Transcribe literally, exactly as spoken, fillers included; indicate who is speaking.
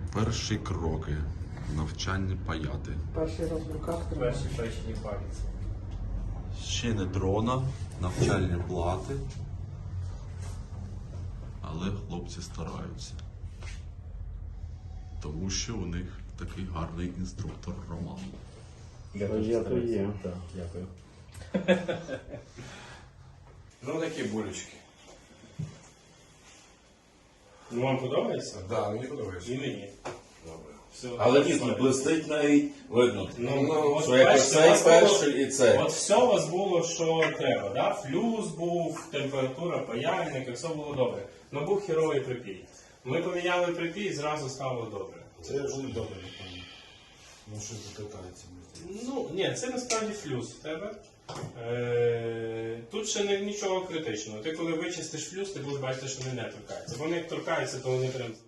Speaker 1: Перші кроки. Навчання паяти.
Speaker 2: Перший раз в руках тримав.
Speaker 3: Перші печені пальці.
Speaker 1: Ще не дрона, навчальні плати. Але хлопці стараються. Тому що у них такий гарний інструктор Роман.
Speaker 3: Я
Speaker 4: То є, то є.
Speaker 3: Так, дякую. Ну, такі булечки. Ну, вам подобається?
Speaker 5: Так, да, мені подобається.
Speaker 3: І мені.
Speaker 5: Добре.
Speaker 3: Все.
Speaker 4: Але дійсно блистить навіть видно.
Speaker 3: Ну, ну, от
Speaker 4: Що як
Speaker 3: бачите,
Speaker 4: цей
Speaker 3: у вас
Speaker 4: перший
Speaker 3: було-
Speaker 4: і цей.
Speaker 3: От все у вас було, що треба, да? Флюс був, температура, паяльник, все було добре. Ну був херовий припій. Ми поміняли припій і зразу стало добре.
Speaker 5: Це я вже не добре, напевно. Ну, щось дотикається.
Speaker 3: Ну, ні, це насправді флюс в тебе. Е, тут ще не, нічого критичного. Ти коли вичистиш флюс, ти будеш бачити, що вони не торкаються. Вони як торкаються, то вони прям...